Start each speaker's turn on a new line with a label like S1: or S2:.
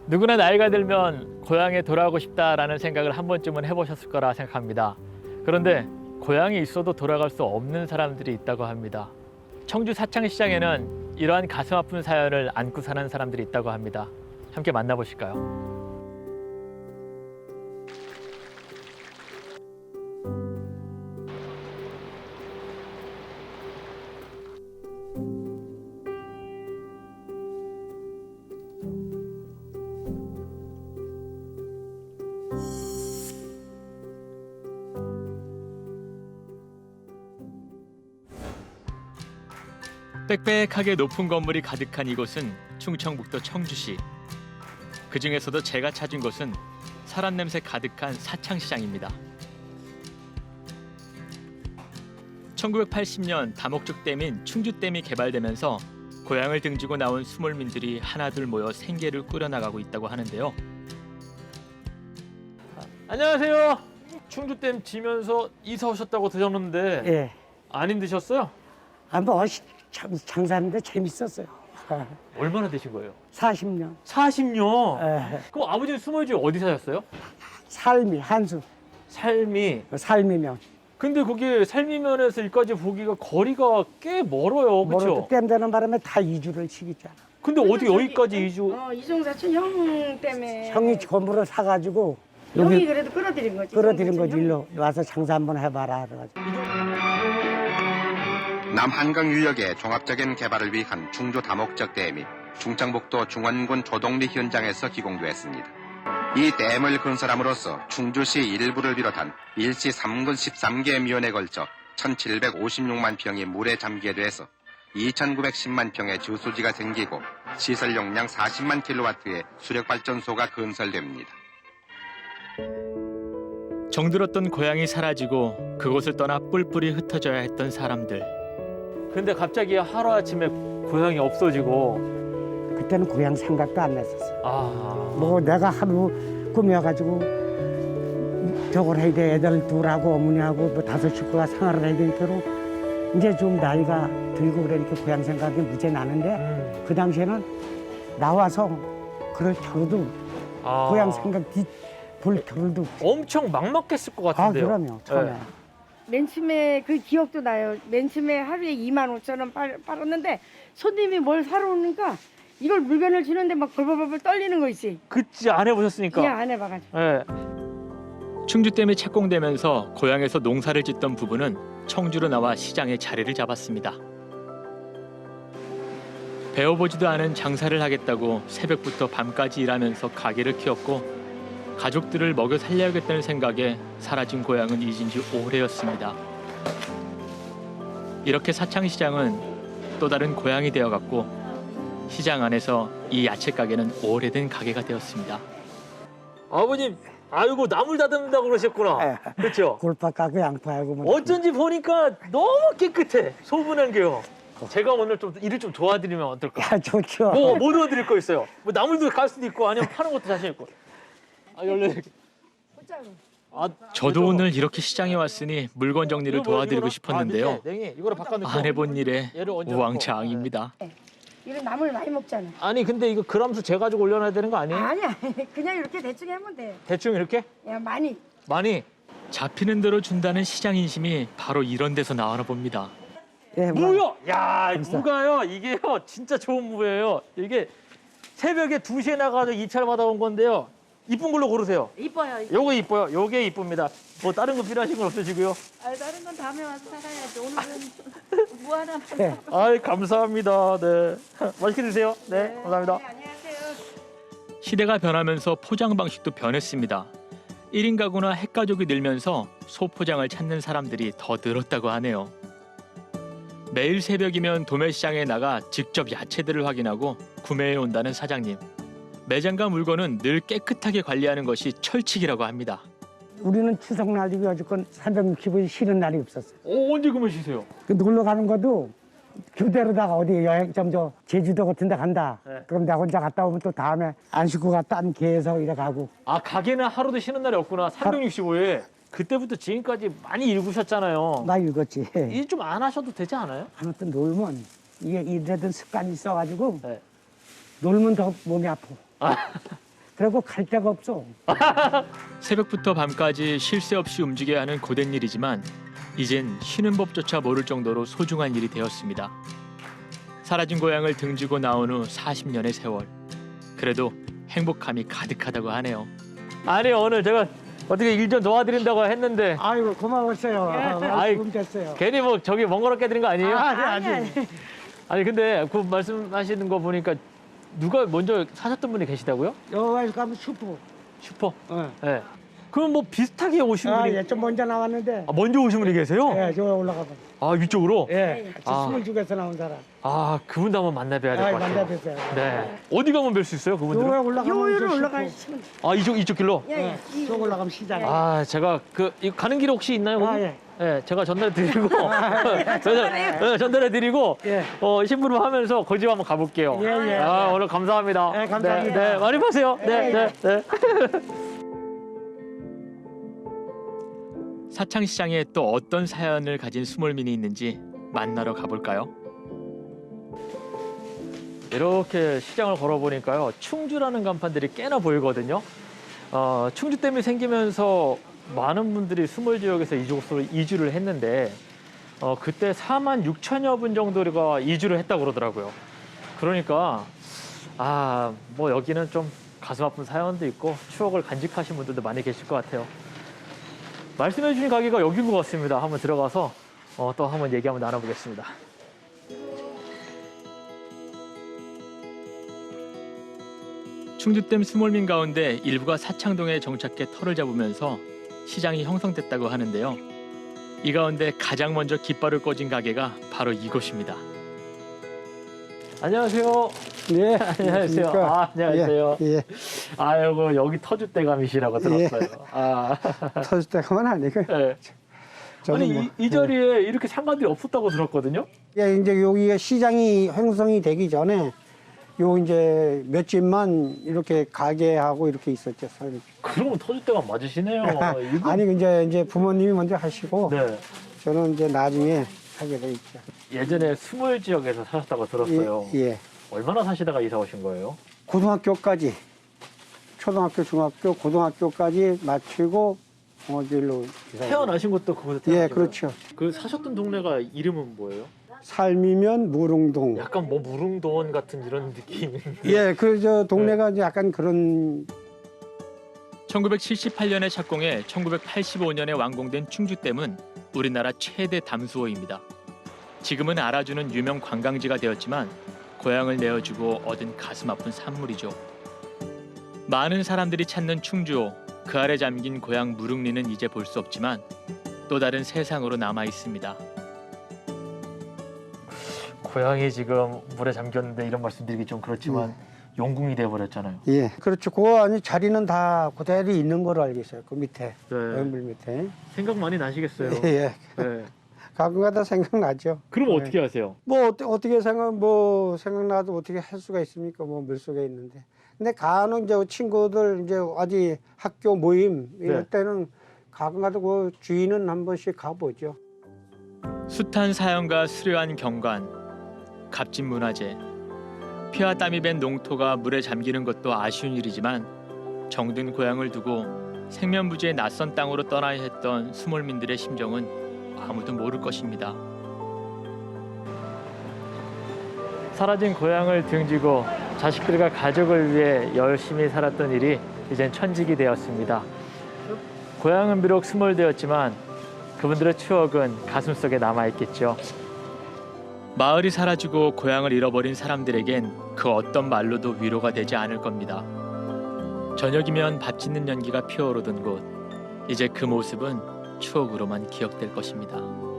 S1: 누구나 나이가 들면 고향에 돌아가고 싶다라는 생각을 한 번쯤은 해보셨을 거라 생각합니다. 그런데 고향에 있어도 돌아갈 수 없는 사람들이 있다고 합니다. 청주 사창시장에는 이러한 가슴 아픈 사연을 안고 사는 사람들이 있다고 합니다. 함께 만나보실까요? 빽빽하게 높은 건물이 가득한 이곳은 충청북도 청주시. 그 중에서도 제가 찾은 곳은 사람 냄새 가득한 사창시장입니다. 1980년 다목적댐인 충주댐이 개발되면서 고향을 등지고 나온 수몰민들이 하나둘 모여 생계를 꾸려나가고 있다고 하는데요. 안녕하세요. 충주댐 지면서 이사 오셨다고 들었는데
S2: 예.
S1: 안 힘드셨어요?
S2: 뭐 장사하는데 재밌었어요.
S1: 얼마나 되신 거예요?
S2: 40년.
S1: 40년?
S2: 예.
S1: 그럼 아버지는 수몰지 어디 사셨어요?
S2: 삶이 한수.
S1: 삶이.
S2: 삶이면.
S1: 근데 거기 삶이면에서 여기까지 보기가 거리가 꽤 멀어요.
S2: 뭐라도
S1: 그렇죠?
S2: 땜 되는 바람에 다 이주를 시키잖아.
S1: 근데 어디 여기까지 이주?
S3: 이종 사촌 형 때문에
S2: 형이 건물을 사가지고
S3: 형이
S2: 여기
S3: 그래도 끌어들인 거지.
S2: 끌어들인
S3: 이종
S2: 거지.
S3: 사촌
S2: 일로 와서 장사 한번 해봐라. 그래가지고.
S4: 남한강 유역의 종합적인 개발을 위한 충주 다목적 댐이 충청북도 중원군 조동리 현장에서 기공되었습니다. 이 댐을 건설함으로써 충주시 일부를 비롯한 일시 3군 13개 면에 걸쳐 1756만 평이 물에 잠기게 돼서 2910만 평의 저수지가 생기고 시설 용량 40만 킬로와트의 수력발전소가 건설됩니다.
S1: 정들었던 고향이 사라지고 그곳을 떠나 뿔뿔이 흩어져야 했던 사람들. 근데 갑자기 하루아침에 고향이 없어지고
S2: 그때는 고향 생각도 안 났었어. 뭐 내가 하루 꾸며가지고 저걸 해야 돼. 애들 둘하고 어머니하고 뭐 5 식구가 생활을 해야 되니까 이제 좀 나이가 들고 그러니까 고향 생각이 무지 나는데 그 당시에는 나와서 그럴 겨루도 고향 생각 볼 겨루도
S1: 엄청 막막했을 것 같은데요.
S2: 그럼요. 처음에.
S1: 네.
S3: 맨 처음에 그 기억도 나요. 맨 처음에 하루에 25,000원 팔았는데 손님이 뭘 사러 오니까 이걸 물건을 주는데 막 벌벌벌 떨리는 거 있지.
S1: 그치, 안 해보셨으니까.
S3: 그냥 안 해봐가지고.
S1: 네. 충주댐이 착공되면서 고향에서 농사를 짓던 부부는 청주로 나와 시장에 자리를 잡았습니다. 배워보지도 않은 장사를 하겠다고 새벽부터 밤까지 일하면서 가게를 키웠고 가족들을 먹여 살려야겠다는 생각에 사라진 고향은 잊은 지 오래였습니다. 이렇게 사창시장은 또 다른 고향이 되어갔고 시장 안에서 이 야채 가게는 오래된 가게가 되었습니다. 아버님, 아이고 나물 다듬는다고 그러셨구나. 그렇죠?
S2: 골파 까고 양파하고 뭐
S1: 어쩐지 보니까 너무 깨끗해. 소분한 게요. 제가 오늘 좀 일을 좀 도와드리면 어떨까?
S2: 좋죠.
S1: 뭐 도와드릴 거 있어요? 뭐 나물도 갈 수도 있고 아니면 파는 것도 자신 있고. 열려. 저도 오늘 이렇게 시장에 왔으니 물건 정리를 도와드리고 싶었는데요. 이거를 바꿔놓고 안 해본 일에 우왕좌왕입니다.
S3: 이런 나물 많이 먹잖아.
S1: 아니 근데 이거 그람수 재가지고 올려놔야 되는 거 아니에요?
S3: 아니야. 그냥 이렇게 대충 하면 돼.
S1: 대충 이렇게?
S3: 야, 많이.
S1: 많이 잡히는 대로 준다는 시장 인심이 바로 이런 데서 나오나 봅니다.
S2: 예,
S1: 무요! 야, 무가요. 이게요. 진짜 좋은 무예요. 이게 새벽에 2시에 나가서 입찰 받아온 건데요. 이쁜 걸로 고르세요.
S3: 이뻐요.
S1: 요거 이뻐요. 요게 이쁩니다. 뭐 다른 거 필요하신 건 없으시고요.
S3: 다른 건 다음에 와서 사가야지. 오늘은 무 하나만.
S2: 네.
S1: 아이, 감사합니다. 네. 맛있게 드세요. 네, 감사합니다.
S3: 네, 안녕하세요.
S1: 시대가 변하면서 포장 방식도 변했습니다. 1인 가구나 핵가족이 늘면서 소포장을 찾는 사람들이 더 늘었다고 하네요. 매일 새벽이면 도매시장에 나가 직접 야채들을 확인하고 구매해 온다는 사장님. 매장과 물건은 늘 깨끗하게 관리하는 것이 철칙이라고 합니다.
S2: 우리는 추석날이고 여지껏 365일 쉬는 날이 없었어요.
S1: 언제 그만 쉬세요?
S2: 그 놀러 가는 것도 교대로다가 어디 여행점 제주도 같은 데 간다.
S1: 네.
S2: 그럼 내가 혼자 갔다 오면 또 다음에 안 쉬고 딴 개에서 이래 가고.
S1: 아, 가게는 하루도 쉬는 날이 없구나. 365일. 그때부터 지금까지 많이 일구셨잖아요.
S2: 나 읽었지.
S1: 일 좀 안 하셔도 되지 않아요?
S2: 아무튼 놀면 이게 이래든 습관이 있어가지고
S1: 네.
S2: 놀면 더 몸이 아파. 그리고 갈 데가 없어.
S1: 새벽부터 밤까지 쉴 새 없이 움직여야 하는 고된 일이지만 이젠 쉬는 법조차 모를 정도로 소중한 일이 되었습니다. 사라진 고향을 등지고 나온 후 40년의 세월. 그래도 행복함이 가득하다고 하네요.
S5: 아니 오늘 제가 어떻게 일 좀 도와드린다고 했는데
S2: 아이고 고마웠어요.
S5: 아이,
S2: 도움 됐어요.
S5: 괜히 뭐 저기 번거롭게 드린 거 아니에요?
S2: 아니.
S5: 아니 근데 그 말씀하시는 거 보니까 누가 먼저 사셨던 분이 계시다고요?
S2: 여기 가면 슈퍼.
S5: 슈퍼.
S2: 어.
S5: 네. 그럼 뭐 비슷하게 오신 분이
S2: 예, 좀 먼저 나왔는데.
S5: 아, 먼저 오신 분이 계세요?
S2: 예, 저 올라가 봐.
S5: 아 위쪽으로?
S2: 예,
S5: 아.
S2: 22에서 나온 사람.
S5: 아 그분도 한번 만나뵈야 될 것 같아요.
S2: 만나뵀어요.
S5: 네. 어디 가면 뵐 수 있어요
S2: 여기
S5: 그분들은?
S2: 올라가면
S3: 요일을
S2: 저
S3: 올라가시면
S5: 아 이쪽 길로?
S3: 예, 예.
S2: 저 올라가면 시장.
S5: 아 제가 그 이거 가는 길 혹시 있나요? 거기?
S2: 예.
S5: 네, 제가 전달해드리고 전달해드리고
S2: 예.
S5: 심부름 하면서 거기 한번 가볼게요.
S2: 예.
S5: 아, 오늘 감사합니다.
S2: 네, 감사합니다.
S5: 네, 많이 파세요. 네.
S1: 사창시장에 또 어떤 사연을 가진 수몰민이 있는지 만나러 가볼까요?
S5: 이렇게 시장을 걸어보니까요. 충주라는 간판들이 꽤나 보이거든요. 충주댐이 생기면서 많은 분들이 수몰 지역에서 이쪽으로 이주를 했는데 그때 4만 6천여 분 정도가 이주를 했다고 그러더라고요. 그러니까 뭐 여기는 좀 가슴 아픈 사연도 있고 추억을 간직하신 분들도 많이 계실 것 같아요. 말씀해 주신 가게가 여기인 것 같습니다. 한번 들어가서 또 한번 얘기 한번 나눠보겠습니다.
S1: 충주댐 수몰민 가운데 일부가 사창동에 정착해 터를 잡으면서 시장이 형성됐다고 하는데요. 이 가운데 가장 먼저 깃발을 꽂은 가게가 바로 이곳입니다.
S5: 안녕하세요.
S2: 네.
S5: 안녕하세요. 안녕하세요.
S2: 예.
S5: 아이고 여기 터줏대감이시라고 들었어요.
S2: 터질 때가만 아니고.
S5: 네.
S2: 저는
S5: 아니
S2: 뭐,
S5: 이 자리에 이렇게 상가들이 없었다고 들었거든요.
S2: 예, 이제 여기가 시장이 형성이 되기 전에 요 이제 몇 집만 이렇게 가게하고 이렇게 있었죠.
S5: 그러면 터줏대감 맞으시네요. 이거...
S2: 아니 이제 부모님이 먼저 하시고
S5: 네.
S2: 저는 이제 나중에 하게 돼 있죠.
S5: 예전에 수몰 지역에서 사셨다고 들었어요.
S2: 예.
S5: 얼마나 사시다가 이사 오신 거예요?
S2: 고등학교까지 초등학교, 중학교, 고등학교까지 마치고 어디로
S5: 태어나신 것도 그곳에
S2: 예,
S5: 태어나신
S2: 그렇죠.
S5: 거예요? 그 사셨던 동네가 이름은 뭐예요?
S2: 삶이면 무릉동.
S5: 약간 뭐 무릉도원 같은 이런 느낌.
S2: 예, 그 저 동네가 이제 약간 그런
S1: 1978년에 착공해 1985년에 완공된 충주댐은 우리나라 최대 담수호입니다. 지금은 알아주는 유명 관광지가 되었지만 고향을 내어주고 얻은 가슴 아픈 산물이죠. 많은 사람들이 찾는 충주호, 그 아래 잠긴 고향 무릉리는 이제 볼 수 없지만 또 다른 세상으로 남아 있습니다.
S5: 고향이 지금 물에 잠겼는데 이런 말씀드리기 좀 그렇지만 용궁이 돼버렸잖아요.
S2: 예, 그렇죠. 그 안에 자리는 다 그대로 있는 걸로 알고 있어요. 그 밑에,
S5: 네.
S2: 물 밑에.
S5: 생각 많이 나시겠어요.
S2: 예,
S5: 네.
S2: 가끔가다 생각나죠.
S5: 그럼
S2: 네.
S5: 어떻게 하세요?
S2: 뭐 어떻게 생각나도 어떻게 할 수가 있습니까? 뭐 물속에 있는데. 근데 간혹 이제 친구들 이제 어디 학교 모임 이럴
S5: 네.
S2: 때는 가끔가다 그 주인은 한 번씩 가보죠.
S1: 숱한 사연과 수려한 경관, 값진 문화재, 피와 땀이 밴 농토가 물에 잠기는 것도 아쉬운 일이지만 정든 고향을 두고 생면부지의 낯선 땅으로 떠나야 했던 수몰민들의 심정은 아무도 모를 것입니다.
S5: 사라진 고향을 등지고 자식들과 가족을 위해 열심히 살았던 일이 이젠 천직이 되었습니다. 고향은 비록 수몰되었지만 그분들의 추억은 가슴속에 남아있겠죠.
S1: 마을이 사라지고 고향을 잃어버린 사람들에겐 그 어떤 말로도 위로가 되지 않을 겁니다. 저녁이면 밥 짓는 연기가 피어오르던 곳, 이제 그 모습은 추억으로만 기억될 것입니다.